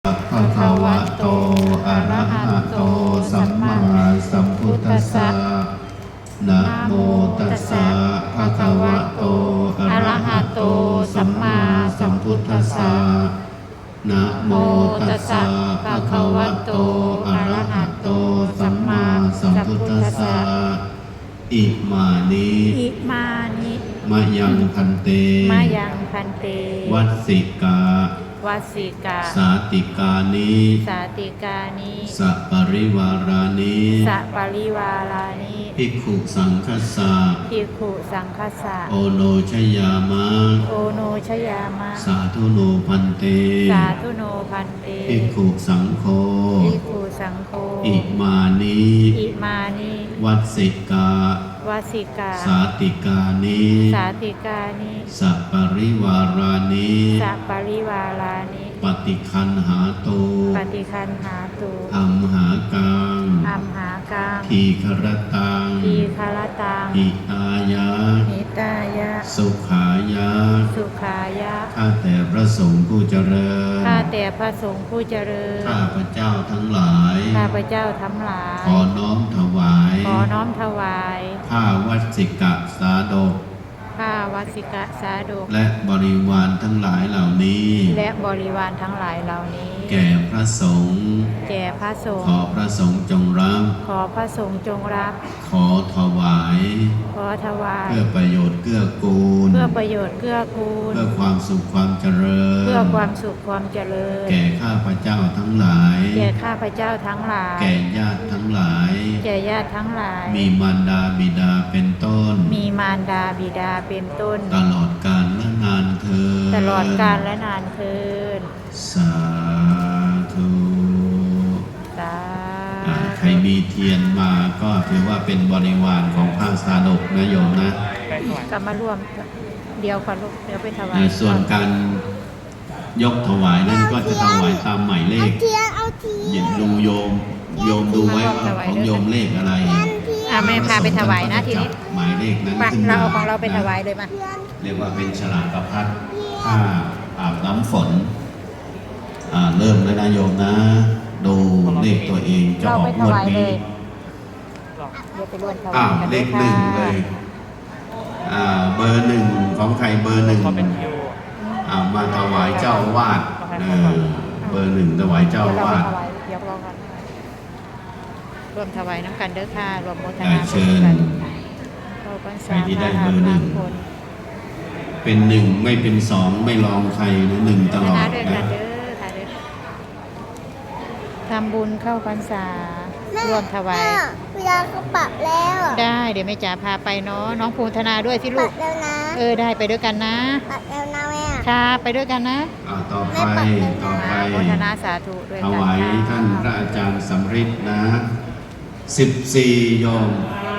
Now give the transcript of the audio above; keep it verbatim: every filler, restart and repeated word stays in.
ภะคะวะโตอะระหะโตสัมมาสัมพุทธัสสะนะโมตัสสะภะคะวะโตอะระหะโตสัมมาสัมพุทธัสสะนะโมตัสสะภะคะวะโตอะระหะโตสัมมาสัมพุทธัสสะอิมานิอิมานิมะยังพันเตมายังพันเตวัสสิกาวัสสิกาสาติกานิสาติกานิสัปริวารานิสัปริวารานิภิกขุสังคัสสะภิกขุสังฆสสะโอโนชยามะโอโนชยามะสาธุโนพันเตสาธุโนพันเตภิกขุสังโฆภิกขุสังโฆอิมานิอิมานิวัสสิกาวัสสิกาสาติกานิสาติกานิสัปริวารานิสัปริวารานิปฏิคันหาตุปฏิคันหาตุอัมหากังอัมหากังทีครตังทีคารตังอิตายะหิตายะสุขายะสุขายะข้าแต่พระสงฆ์ผู้เจริญข้าแต่พระสงฆ์ผู้เจริญข้าพระเจ้าทั้งหลายข้าพระเจ้าทั้งหลายขอน้อมถวายขอน้อมถวายผ้าวัสสิกะสาดกผ้าวัสสิกะสาดกและบริวารทั้งหลายเหล่านี้และบริวารทั้งหลายเหล่านี้แก่พระสงฆ์แก่พระสงขอฆ์พระสงฆ์จงรับขอพระสงฆ์จงรับขอถวายขอถวายเพื่อประโยชน์เกื้อกูลเพื่อประโยชน์เกื้อกูลเพื่อความสุขความเจริญเพื่อความสุขความเจริญแก่ข้าพระเจ้าทั้งหลายแก่ข้าพระเจ้าทั้งหลายแก่ญาติทั้งหลายแก่ญาติทั้งหลายมีมารดาบิดาเป็นต้นมีมารดาบิดาเป็นต้นตลอดกาลและนานเธอญตลอดกาลและนานเทินสาธุสาอ่าใครมีเทียนมาก็ถือว่าเป็นบริวารของพระสาดกนะโยมนะกลับมาร่วมเดียวค่ะลูกเดี๋ยวไปถวาในยส่วนการยกถวายนั้นก็จะถวายตามหมายเลขเทียนเอาเทียอย่าน ดูโยมโยมดูไว้ว่าของโยมเลขอะไรอ่ะแม่พาไปถวายนะทีนี้หมายเลขนั้นไปขึ้นเรามาเอาของเราไปถวายเลยมาเรียกว่าเป็นฉลากกระพัดผ้าอาบน้ำฝนอ่าเริ่มแล้วนะโยมนะ ดูเลขตัวเองจะเราออไปกถงวดวายเลนี้ยเดี๋ยวไปร่วมถวาอ้าวยกันเลด้วยขหค่ะนึ่งเลยอ่าเบอร์หนึ่งของใครเบอร์หนึ่งอ่ามาถวายเจ้าอาวาสเออเบอร์หนึ่งถวายเจ้าเดี๋ยวอาเราไปวาสถวายเดี๋ยวรอกันร่วมถวายน้ำกันเด้อค่ะรวมโมทได้นาเชิญกันเข้าพรรษาใครที่ได้เบอร์หนึ่งพระคนเป็นหนึ่งไม่เป็นสองไม่รองใครนะหนึ่งตลอดนะด้วยกันะนเด้อค่ะเด้อทำบุญเข้าพรรษาร่วมถวายเวลาเขาปรับแล้วอะได้เดี๋ยวแม่จ๋าพาไปเนาะน้องภูธนาด้วยสิปลูรักบแล้วนะเออได้ไปด้วยกันนะปรับแล้วนะแม่ค่ะไปด้วยกันนะอ่าต่อไปต่อไปโมทนาสาธุด้วยถกันวายค่ะท่านพระอาจารย์สำริดนะสิบสี่โยม